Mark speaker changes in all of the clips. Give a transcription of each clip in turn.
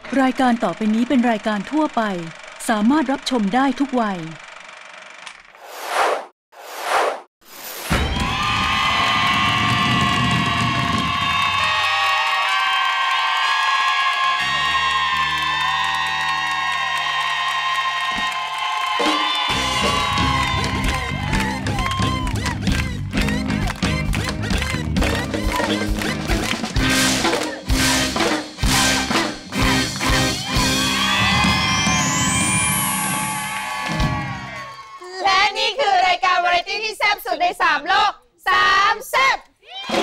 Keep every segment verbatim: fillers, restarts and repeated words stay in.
Speaker 1: รายการต่อไปนี้เป็นรายการทั่วไปสามารถรับชมได้ทุกวัย
Speaker 2: ในสามโลกสามแซ่บสวัส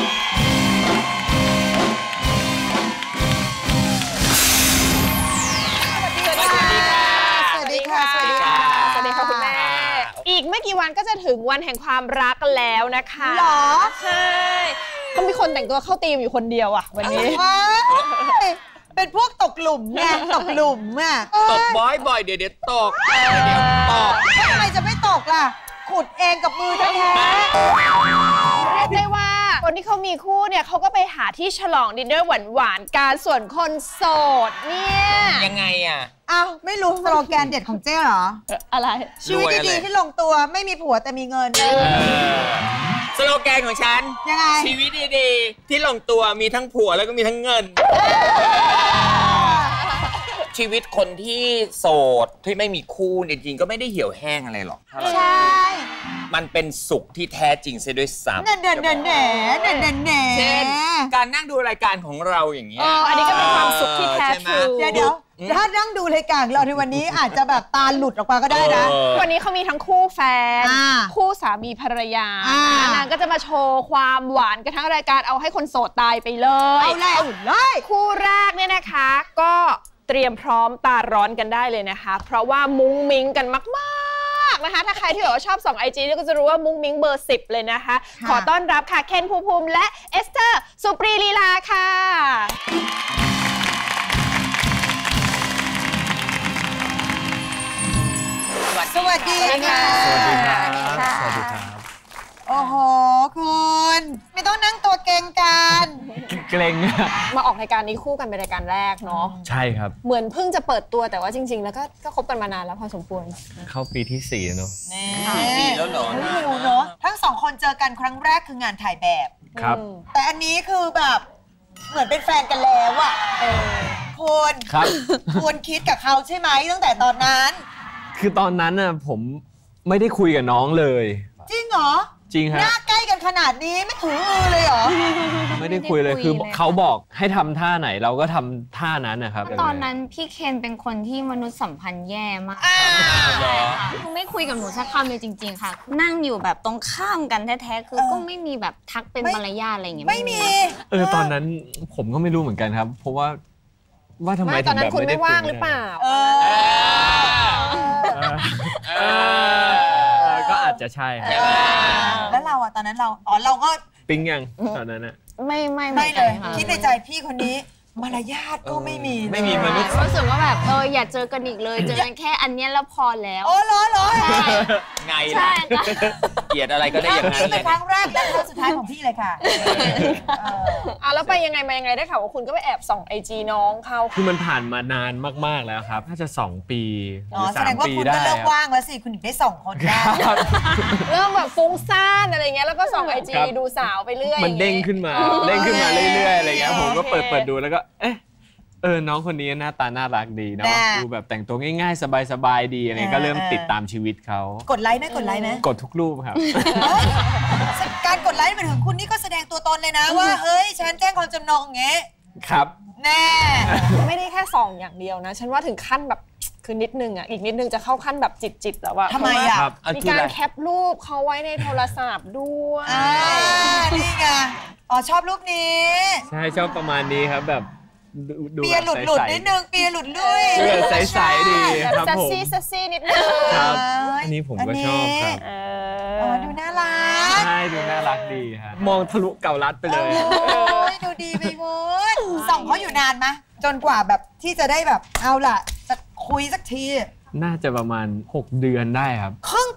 Speaker 2: ดีค่ะสวัสดีค่ะสวัสดีค่ะสวัสดีค่ะคุณแม่อีกไม่กี่วันก็จะถึงวันแห่งความรักกันแล้วนะคะหรอใช่ก็มีคนแต่งตัวเข้าธีมอยู่คนเดียวอ่ะวันนี้
Speaker 3: เป็นพวกตกหลุมไงตกหลุมอ่ะ
Speaker 4: ตกบ่อยๆเดี๋ยวเดี๋ยวตกเดี๋ยวตก
Speaker 3: ทำไมจะไม่ตกล่ะขุดเองกับมือแท้ๆ
Speaker 2: เรียกได้ว่าคนที่เขามีคู่เนี่ยเขาก็ไปหาที่ฉลองดินเนอร์หวานๆกันส่วนคนโสดเนี่ย
Speaker 4: ยังไงอ่ะ
Speaker 3: อ้าวไม่รู้สโลแกนเด็ดของเจ๊เหรอ
Speaker 2: อะไร
Speaker 3: ชีวิตดีๆที่ลงตัวไม่มีผัวแต่มีเงิน
Speaker 4: สโลแกนของฉัน
Speaker 3: ยังไง
Speaker 4: ชีวิตดีๆที่ลงตัวมีทั้งผัวแล้วก็มีทั้งเงินชีวิตคนที่โสดที่ไม่มีคู่จริงๆก็ไม่ได้เหี่ยวแห้งอะไรหรอก
Speaker 3: ใช่
Speaker 4: มันเป็นสุขที่แท้จริงเสียด้วยซ้ำ
Speaker 3: เด่นเด่นเด่นเด่นเด่นเด่นเด่น
Speaker 4: เช่นการนั่งดูรายการของเราอย่างเงี้ย
Speaker 2: อันนี้ก็เป็นความสุขที่แท้ทรู
Speaker 3: เดี๋ยวเดี๋ยวถ้านั่งดูรายการเราในวันนี้อาจจะแบบตาหลุดออกมาก็ได้นะ
Speaker 2: วันนี้เขามีทั้งคู่แฟนคู่สามีภรรยานางก็จะมาโชว์ความหวานกันทั้งรายการเอาให้คนโสดตายไปเลย
Speaker 3: เอาเลยเอาเลย
Speaker 2: คู่แรกเนี่ยนะคะก็เตรียมพร้อมตาร้อนกันได้เลยนะคะเพราะว่ามุ้งมิ้งกันมากๆนะคะถ้าใครที่บอกว่าชอบส่องไอจีก็จะรู้ว่ามุ้งมิ้งเบอร์สิบเลยนะคะขอต้อนรับค่ะเคนภูมิภูมิและเอสเตอร์สุปรีลีลาค่ะ
Speaker 3: สวัสดีค่ะ
Speaker 4: สวัสดีครับสวัสดีครับ
Speaker 3: โอ้โหคุณไม่ต้องนั่งตัวเก่งกัน
Speaker 4: เกรง
Speaker 2: มาออกรายการนี้คู่กันเป็นรายการแรกเนาะ
Speaker 4: ใช่ครับ
Speaker 2: เหมือนเพิ่งจะเปิดตัวแต่ว่าจริงๆแล้วก็ก็คบกันมานานแล้วพอสมควร
Speaker 4: เข้าปีที่สี่เนาะ
Speaker 3: ปีแล้วเหรอไม่รู้เนาะทั้งสองคนเจอกันครั้งแรกคืองานถ่ายแบบ
Speaker 4: ครับ
Speaker 3: แต่อันนี้คือแบบเหมือนเป็นแฟนกันแล้วอะคุณ
Speaker 4: ครับ
Speaker 3: คุณคิดกับเขาใช่ไหมตั้งแต่ตอนนั้น
Speaker 5: คือตอนนั้นน่ะผมไม่ได้คุยกับน้องเลย
Speaker 3: จริงเหรอ
Speaker 5: จริงครับ
Speaker 3: หน้าใกล้กันขนาดนี้ไม่ถืออือเลยเหรอ
Speaker 5: ไม่ได้คุยเลยคือเขาบอกให้ทำท่าไหนเราก็ทำท่านั้นนะครับ
Speaker 6: ตอนนั้นพี่เคนเป็นคนที่มนุษยสัมพันธ์แย่มากคือไม่คุยกับหนูสักคำเลยจริงๆค่ะนั่งอยู่แบบตรงข้ามกันแท้ๆคือก็ไม่มีแบบทักเป็นมารยาทอะไรอย่างเงี้ย
Speaker 3: ไม่มี
Speaker 5: เออตอนนั้นผมก็ไม่รู้เหมือนกันครับเพราะว่าว่าทำไม
Speaker 2: ตอนนั้นคุณไม่ว่างหรือเปล่า
Speaker 5: ก็อาจจะใช่
Speaker 3: แล้วเราอะตอนนั้นเราอ๋อเราก็
Speaker 5: ปิ๊งยังตอนนั้นอะ
Speaker 6: ไม่ไม่
Speaker 3: ไม่เลยคิดในใจพี่คนนี้มารยาทก็ไม่มี
Speaker 5: ไม่มีมนุษย์
Speaker 6: รู้สึกว่าแบบเอออย่าเจอกันอีกเลยเจอกันแค่อันนี้แล้วพอแล้ว
Speaker 3: โอ้เหรอเหรอ
Speaker 4: ไงล่ะเกลียดอะไรก็ได้อย่างนั้น
Speaker 3: นี่เป็นครั้งแรกและครั้งสุดท้ายของพี่เลยค่ะ
Speaker 2: อ่ะแล้วไปยังไงมายังไงได้ข่าวว่าคุณก็ไปแอบส่องไอจีน้องเขา
Speaker 5: คือมันผ่านมานานมากๆแล้วครับน่าจะสองปีหรือสามปีได้
Speaker 3: แสดงว่าคุณก็เลิกว่างแล้วสิคุณถึงได้ส่องคนได้
Speaker 2: เริ่มแบบฟุ้งซ่านอะไรเงี้ยแล้วก็ส่องไอจีดูสาวไปเรื่อย
Speaker 5: มันเด้งขึ้นมาเด้งขึ้นมาเรื่อยๆอะไรเงี้ยผมก็เปิดเปิดดูแล้วก็เอ๊ะเออน้องคนนี้หน้าตาน่ารักดีเนาะดูแบบแต่งตัวง่ายๆสบายๆดีอะไรก็เริ่มติดตามชีวิตเขา
Speaker 3: กดไลค์ไหมกดไลค์ไหม
Speaker 5: กดทุกรูปครับ
Speaker 3: การกดไลค์เป็นถึงคุณนี่ก็แสดงตัวตนเลยนะว่าเฮ้ยฉันแจ้งความจำนงอย่างเงี้ย
Speaker 5: ครับ
Speaker 3: แน่
Speaker 2: ไม่ได้แค่ส่องอย่างเดียวนะฉันว่าถึงขั้นแบบคือนิดนึงอ่ะอีกนิดนึงจะเข้าขั้นแบบจิตๆแล้วว่า
Speaker 3: ทำไมอ่ะ
Speaker 2: มีการแคปรูปเขาไว้ในโทรศัพท์ด้วย
Speaker 3: นี่ไงอ๋อชอบรูปนี้
Speaker 5: ใช่ชอบประมาณนี้ครับแบบ
Speaker 3: เปียหลุดหลุดนิดนึงเปียหลุดลุย
Speaker 5: เปียใสๆดีครับผม
Speaker 2: ซัสซี่ซัสซี่นิดนึง
Speaker 5: ครับอันนี้ผมก็ชอบครับ
Speaker 3: อ๋อดูน่ารั
Speaker 5: กใช่ดูน่ารักดีครับมองทะลุเก่ารัดไปเลย
Speaker 3: โอ้ยดูดีไปหมดส่องเขาอยู่นานไหมจนกว่าแบบที่จะได้แบบเอาล่ะจะคุยสักที
Speaker 5: น่าจะประมาณหกเดือนได้ครับ
Speaker 3: ครึ่งปี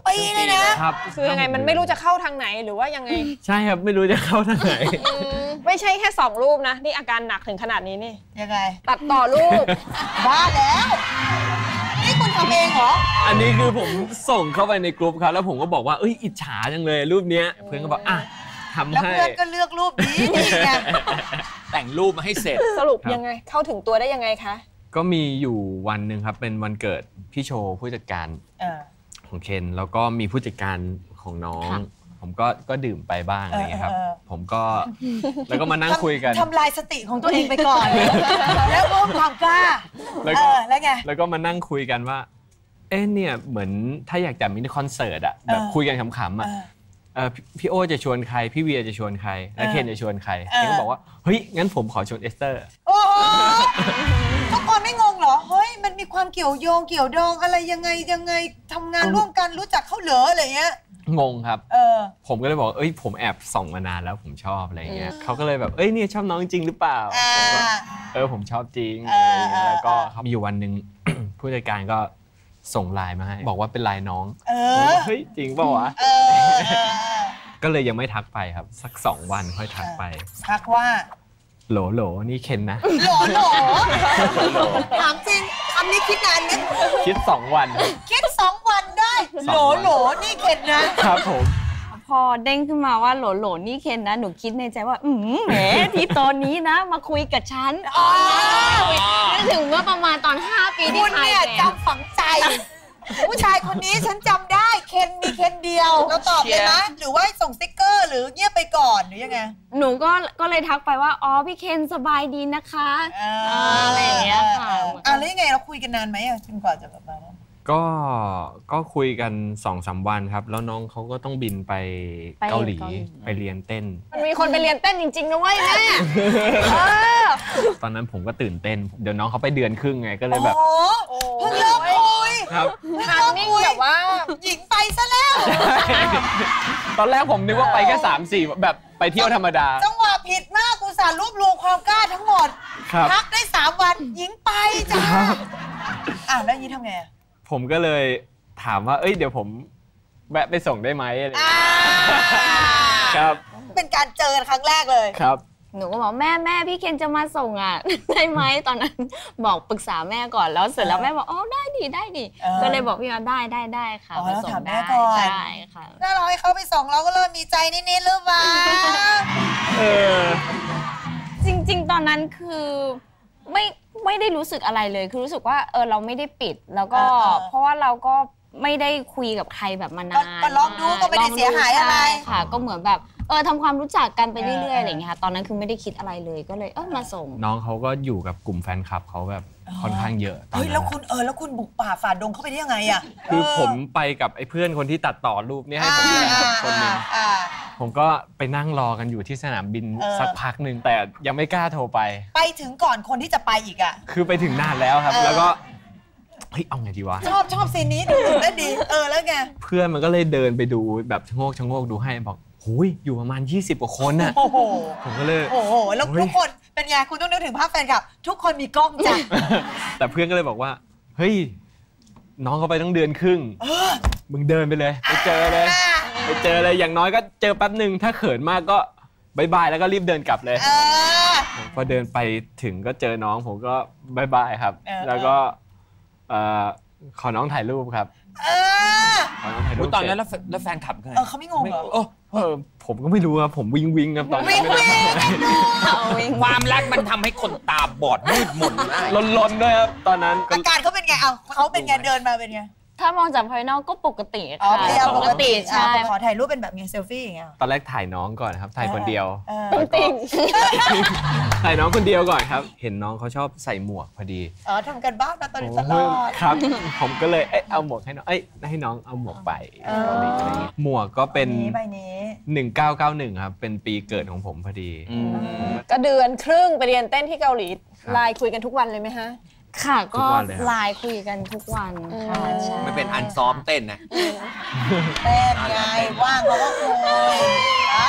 Speaker 3: ปีเลยนะครับ
Speaker 2: คือยังไงมันไม่รู้จะเข้าทางไหนหรือว่ายังไง
Speaker 5: ใช่ครับไม่รู้จะเข้าทางไหน
Speaker 2: อืมไม่ใช่แค่สองรูปนะนี่อาการหนักถึงขนาดนี้นี่
Speaker 3: ยังไง
Speaker 2: ตัดต่อรูป
Speaker 3: บ้าแล้วนี่คุณทำเองเหรอ
Speaker 5: อันนี้คือผมส่งเข้าไปในกลุ่มครับแล้วผมก็บอกว่าเอ้ยอิจฉาจังเลยรูปเนี้ยเพื่อนก็บอกอ่ะทำ
Speaker 3: แล้ว
Speaker 5: ให้
Speaker 3: เพื่อนก็เลือกรูปนี้นี่ไง
Speaker 4: แต่งรูปมาให้เสร็จ
Speaker 2: สรุป
Speaker 5: ครับ
Speaker 2: ยังไงเข้าถึงตัวได้ยังไงคะ
Speaker 5: ก็มีอยู่วันหนึ่งครับเป็นวันเกิดพี่โชว์ผู้จัดการ
Speaker 3: เออ
Speaker 5: ของเคนแล้วก็มีผู้จัดการของน้อง ผมก็ก็ดื่มไปบ้างอะไรเงี้ยครับ
Speaker 3: เออเออ
Speaker 5: ผมก็แล้วก็มานั่งคุยกัน
Speaker 3: ทำลายสติของตัวเองไปก่อน แล้วเพิ่มความกล้า
Speaker 5: แล้ว
Speaker 3: เอ
Speaker 5: ก็
Speaker 3: อแล้วไง
Speaker 5: แล้วก็มานั่งคุยกันว่า เอ๊ะเนี่ยเหมือนถ้าอยากจัดมินิคอนเสิร์ตอะแบบ
Speaker 3: เออ
Speaker 5: คุยกันขำๆอะ
Speaker 3: เออ
Speaker 5: เอ่อพี่พี่โอจะชวนใคร พี่เวียจะชวนใคร และ
Speaker 3: เออ
Speaker 5: เคนจะชวนใคร
Speaker 3: เออ
Speaker 5: เคนก็บอกว่าเฮ้ยงั้นผมขอชวนเอสเตอร์
Speaker 3: โอ้โหทุกคนไม่งงเหรอเฮ้ยมันมีความเกี่ยวโยงเกี่ยวดองอะไรยังไงยังไงทำงานร่วมกันรู้จักเขาเหรออะไรเงี้ย
Speaker 5: งงครับ
Speaker 3: เออ
Speaker 5: ผมก็เลยบอกเอ้ยผมแอบส่องมานานแล้วผมชอบอะไรเงี้ยเขาก็เลยแบบเอ้ยเนี่ยชอบน้องจริงหรือเปล่า
Speaker 3: อ่า
Speaker 5: ผมก็เออผมชอบจริง
Speaker 3: เอ
Speaker 5: อะไร
Speaker 3: อ
Speaker 5: เงี้ย
Speaker 3: เออ
Speaker 5: แล้วก็
Speaker 3: เออ
Speaker 5: เขามีอยู่วันหนึ่ง ผู้จัดการก็ส่งไลน์มาให้บอกว่าเป็นไลน์น้อง
Speaker 3: เอ
Speaker 5: ผม
Speaker 3: อ
Speaker 5: ว่าเฮ้ยจริงเปล่าวะ
Speaker 3: เออเออเออ
Speaker 5: ก็เลยยังไม่ทักไปครับ สักสองวันค่อยทักไป
Speaker 3: ทักว่า
Speaker 5: โหลโหลนี่เคนนะ
Speaker 3: หลอหลอถามจริงคำนี้คิดนานไหม
Speaker 5: คิดสองวันครับ
Speaker 3: คิดสองวันได้โหลโหลนี่เข็ดนะ
Speaker 5: ครับผม
Speaker 6: พอเด้งขึ้นมาว่าโหลโหลนี่เคนนะหนูคิดในใจว่าอืมแหมที่ตอนนี้นะ มาคุยกับฉันอ๋อนึกถึงเมื่อประมาณตอนห้าปีที่
Speaker 3: คุณ
Speaker 6: ถ่าย
Speaker 3: เนี่ย
Speaker 6: แบบ
Speaker 3: จำฝังใจ ผู้ชายคนนี้ฉันจำได้เคนมีเคนเดียวเราตอบเลยไหมหรือว่าส่งสติ๊กเกอร์หรือเงียบไปก่อนหรือยังไง
Speaker 6: หนูก็ก็เลยทักไปว่าอ๋อพี่เคนสบายดีนะคะอะไรอย่างเงี้ยค่ะ
Speaker 3: อ่ะแล้วยังไงเราคุยกันนานไหมอ่ะจนกว่าจะแบบมานั้น
Speaker 5: ก็ก็คุยกันสองสามวันครับ แล้วน้องเขาก็ต้องบินไปเกาหลีไปเรียนเต้น
Speaker 2: มันมีคนไปเรียนเต้นจริงๆนะเว้ยแม่เออ
Speaker 5: ตอนนั้นผมก็ตื่นเต้น เดี๋ยวน้องเขาไปเดือนครึ่งไงก็เลยแบบ
Speaker 3: โอ้เพิ่งเริ่มคุย
Speaker 5: ครับ
Speaker 2: ทามมิ่งแบบว่า
Speaker 3: หญิงไปซะแล้ว
Speaker 5: ตอนแรกผมนึกว่าไปแค่สามสี่แบบไปเที่ยวธรรมดา
Speaker 3: จังหวะผิดมากกูสารรวบรวมความกล้าทั้งหมด
Speaker 5: ครับ
Speaker 3: พักได้สามวันหญิงไปจ้าอ่ะแล้วยี่ทำไงอ่ะ
Speaker 5: ผมก็เลยถามว่า เอ้ยเดี๋ยวผมแวะไปส่งได้ไหมอะไรอย่าง
Speaker 3: อ่า
Speaker 5: เงี้ยครับ
Speaker 3: เป็นการเจอกันครั้งแรกเลย
Speaker 5: ครับ
Speaker 6: หนูก็บอกแม่แม่พี่เคนจะมาส่งอ่ะ ได้ไหมตอนนั้นบอกปรึกษาแม่ก่อนแล้วเสร็จแล้วแม่บอกอ๋อได้ดีได้ดี
Speaker 3: เออ
Speaker 6: ก็เลยบอกพี่ว่าได้ได้ได้ค่ะ
Speaker 3: อ๋อ
Speaker 6: ไปส่ง
Speaker 3: ถามแม่
Speaker 6: ได้
Speaker 3: ก่อน
Speaker 6: ใช่ค่ะ
Speaker 3: ถ้าเราให้เขาไปส่งเราก็เริ่มมีใจนิดๆหรือเปล่า
Speaker 5: เออ
Speaker 6: จริงๆ ตอนนั้นคือไม่ไม่ได้รู้สึกอะไรเลยคือรู้สึกว่าเออเราไม่ได้ปิดแล้วก็
Speaker 3: เออเออ
Speaker 6: เพราะว่าเราก็ไม่ได้คุยกับใครแบบมานาน
Speaker 3: ก็ลองดูก็ไม่ได้เสียหายอะไร
Speaker 6: ใช่ค่ะ ก็เหมือนแบบเออทำความรู้จักกันไป
Speaker 3: เออ
Speaker 6: เรื่อยๆอะไรอย่างเงี้ยค่ะตอนนั้นคือไม่ได้คิดอะไรเลยก็เลยเออมาส่ง
Speaker 5: น้องเขาก็อยู่กับกลุ่มแฟนคลับเขาแบบค่อนข้างเยอะตอน
Speaker 3: เฮ้ย
Speaker 5: นั้
Speaker 3: แล้ว
Speaker 5: น
Speaker 3: คุณเออแล้วคุณบุกป่าฝ่าดงเข้าไปได้ยังไงอ่ะ
Speaker 5: คือผมไปกับไอ้เพื่อนคนที่ตัดต่อรูปเนี้ให้ผมเนี่ยครับคนหนึง
Speaker 3: อ่า
Speaker 5: ผมก็ไปนั่งรอกันอยู่ที่สนามบิน
Speaker 3: เออ
Speaker 5: สักพักหนึ่งแต่ยังไม่กล้าโทรไป
Speaker 3: ไปถึงก่อนคนที่จะไปอีกอ่ะ
Speaker 5: คือไปถึงนานแล้วครับ
Speaker 3: เออ
Speaker 5: แล้วก็เฮ้ยเอาไงดีวะ
Speaker 3: ชอบชอบซีนนี้ดูได้ดี เออแล้วไง
Speaker 5: เพื่อนมันก็เลยเดินไปดูแบบชะโงกชะโงกดูให้บอกหุยอยู่ประมาณยี่สิบกว่าคนน่ะ
Speaker 3: โอ้โห
Speaker 5: ผมก็เลย
Speaker 3: โอ้โหแล้ว
Speaker 5: เฮ้ย
Speaker 3: ทุกคนเป็นไงคุณต้องนึกถึงภาพแฟนคลับ ทุกคนมีกล้องจ้ะ
Speaker 5: แต่เพื่อนก็เลยบอกว่าเฮ้ยน้องเขาไปต้องเดือนครึ่ง
Speaker 3: เออ
Speaker 5: มึงเดินไปเลยไปเจอเลย
Speaker 3: อ่า
Speaker 5: ไปเจอเลยอย่างน้อยก็เจอแป๊บหนึ่งถ้าเขินมากก็บายบายแล้วก็รีบเดินกลับเลย
Speaker 3: เออ
Speaker 5: พอเดินไปถึงก็เจอน้องผมก็บายบายครับ
Speaker 3: เออ
Speaker 5: แล้วก็เอ่อขอน้องถ่ายรูปครับ
Speaker 3: เออ
Speaker 5: ขอน้องถ่ายรู
Speaker 4: อุ๊
Speaker 5: ป
Speaker 4: ยตอนนั้น
Speaker 5: เสร็จ
Speaker 4: แล้วแฟแล้วแฟนขับกัน
Speaker 3: เออเขาไม่งงเหรอ
Speaker 4: โอ้
Speaker 5: เออผมก็ไม่รู้ครับผมวิงวิงครับตอนนั้
Speaker 3: วิ่
Speaker 5: น
Speaker 3: งวิ่ง
Speaker 6: เอาเอง
Speaker 4: ความรักมันทำให้คนตาบอดมืดมนได้
Speaker 5: ลนลนๆด้วยครับตอนนั้นก็
Speaker 3: อาการเขาเป็นไงเอาเขาเป็นไงเดินมาเป็นไง
Speaker 6: ถ้ามองจากภายนอกก็ปกติ
Speaker 3: อ๋อ
Speaker 6: ค่ะ
Speaker 3: พยายามปกติ
Speaker 6: ใช่
Speaker 3: อ่ะขอถ่ายรูปเป็นแบบไงเซลฟี่อย่างเงี้ย
Speaker 5: ตอนแรกถ่ายน้องก่อนครับถ่ายคนเดียว
Speaker 3: เออ
Speaker 5: แล้วก็ถ่ายน้องคนเดียวก่อนครับ เห็นน้องเขาชอบใส่หมวกพอดี
Speaker 3: อ๋อทำกันบ้านมาตอนนี้ตล
Speaker 5: โอ้
Speaker 3: อย ด
Speaker 5: ครับ ผมก็เลยเอ้ยเอาหมวกให้น้องเอ้ยให้น้องเอาหมวกไป
Speaker 3: เออ
Speaker 5: เกาหลีอะไรอย่างเงี้ยหมวกก็เป็น
Speaker 3: นี้ใบนี้
Speaker 5: หนึ่งเก้าเก้าหนึ่งครับเป็นปีเกิดของผมพอดี
Speaker 4: อืม
Speaker 2: ก็เดือนครึ่งไปเรียนเต้นที่เกาหลี
Speaker 5: ครับ
Speaker 2: ไลน์คุยกันทุกวันเลยไหมฮะ
Speaker 6: ค่ะ
Speaker 5: ทุ
Speaker 6: ก็
Speaker 5: กวันเลยครับ
Speaker 6: ไลน์คุยกันทุกวันค่ะใช่
Speaker 4: ไม่เป็นอันซ้อมเต้นนะ
Speaker 3: เต้นไงว่างเขาก็คุยอ่า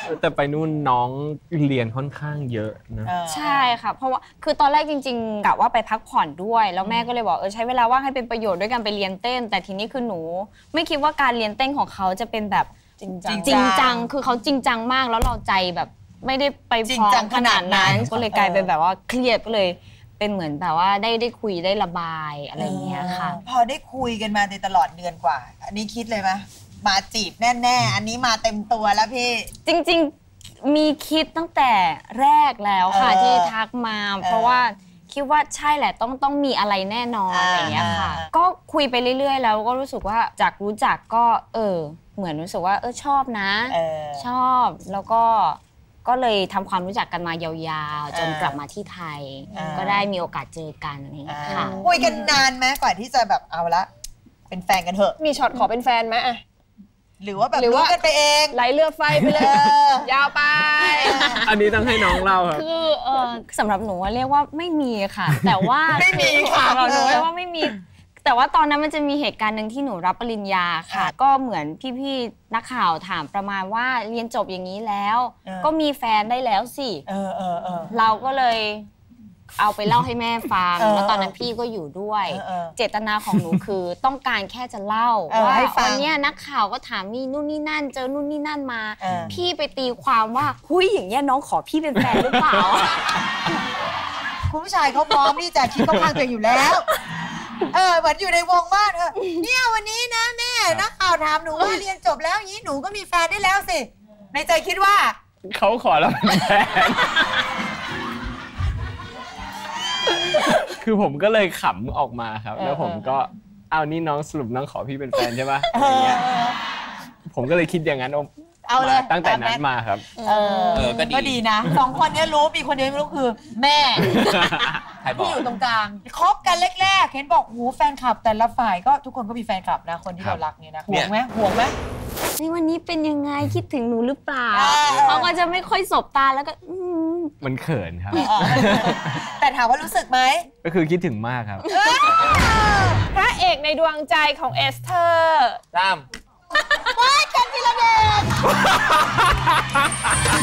Speaker 5: แต่ไปนู่นน้องเรียนค่อนข้างเยอะนะ
Speaker 6: ใช่ค่ะเพราะว่าคือตอนแรกจริงๆกะว่าไปพักผ่อนด้วยแล้วแม่ก็เลยบอกเออใช้เวลาว่างให้เป็นประโยชน์ด้วยการไปเรียนเต้นแต่ทีนี้คือหนูไม่คิดว่าการเรียนเต้นของเขาจะเป็นแบบจริงจังจริงจังคือเขาจริงจังมากแล้วเราใจแบบไม่ได้ไปพร้อมขนาดนั้นก็เลยกลายเป็นแบบว่าเครียดก็เลยเป็นเหมือนแบบว่าได้ได้คุยได้ระบายอะไรอย่างเงี้ยค่ะ
Speaker 3: พอได้คุยกันมาในตลอดเดือนกว่าอันนี้คิดเลยไหมมาจีบแน่ๆอันนี้มาเต็มตัวแล้วพี่
Speaker 6: จริงๆมีคิดตั้งแต่แรกแล้วค่ะที่ทักมาเพราะว่าคิดว่าใช่แหละต้องต้องมีอะไรแน่นอนอะไรอย่างเงี้ยค่ะก็คุยไปเรื่อยๆแล้วก็รู้สึกว่าจากรู้จักก็เออเหมือนรู้สึกว่าเออชอบนะชอบแล้วก็ก็เลยทำความรู้จักกันมายาวๆจนกลับมาที่ไทยก็ได้มีโอกาสเจอกันอะไรอย่างเงี้ยค่ะ
Speaker 3: คุยกันนานไหมกว่าที่จะแบบเอาละเป็นแฟนกันเถอะ
Speaker 2: มีช็อตขอเป็นแฟนไหมอะ
Speaker 3: หรือว่าแบบรู้กันไปเอง
Speaker 2: ไหลเรือไฟไปเลยยาวไป
Speaker 5: อันนี้ต้องให้น้องเล่าครับ
Speaker 6: คือเออสำหรับหนูว่าเรียกว่าไม่มีค่ะแต่ว่า
Speaker 3: ไม่มีค่ะ
Speaker 6: เราหนูเรียกว่าไม่มีแต่ว่าตอนนั้นมันจะมีเหตุการณ์หนึ่งที่หนูรับปริญญาค่ะก็เหมือนพี่ๆนักข่าวถามประมาณว่าเรียนจบอย่างนี้แล้วก็มีแฟนได้แล้วสิเราก็เลยเอาไปเล่าให้แม่ฟังแล้วตอนนั้นพี่ก็อยู่ด้วยเจตนาของหนูคือต้องการแค่จะเล่าว่าวันนี้นักข่าวก็ถามนี่นู่นนี่นั่นเจอนู่นนี่นั่นมาพี่ไปตีความว่าหุ้ยอย่างเงี้ยน้องขอพี่เป็นแฟนหรือเปล่า
Speaker 3: คุณผู้ชายเขาพร้อมที่จะคิดเข้าข้างตัวอยู่แล้วเออเหมือนอยู่ในวงบ้านเออเนี่ยวันนี้นะแม่นักข่าวถามหนูว่าเรียนจบแล้วอย่างนี้หนูก็มีแฟนได้แล้วสิในใจคิดว่า
Speaker 5: เขาขอเราเป็นแฟนคือผมก็เลยขำออกมาครับแล้วผมก็เอานี่น้องสรุปน้องขอพี่เป็นแฟนใช่ปะอะไรเงี้ยผมก็เลยคิดอย่างนั้น
Speaker 3: เอาเลย
Speaker 5: ตั้งแต่นั้นมาครับ
Speaker 3: เออก็ดีนะสองคนนี้รู้มีคนเดียวไม่รู้คือแม่ที่อยู่ตรงกลางคบกันแรกๆเห็นบอกหูแฟนคลับแต่ละฝ่ายก็ทุกคนก็มีแฟนคลับนะคนที่เรารักเนี่ยนะห่วงไหมห่วงไหม
Speaker 6: ในวันนี้เป็นยังไงคิดถึงหนูหรือเปล่าเขาก็จะไม่ค่อยสบตาแล้วก็
Speaker 5: มันเขินครับ
Speaker 3: แต่ถามว่ารู้สึกไหม
Speaker 5: ก็คือคิดถึงมากครับ
Speaker 2: พระเอกในดวงใจของเอสเธอร์
Speaker 4: ตาม
Speaker 3: ว้ายกันทีละเดช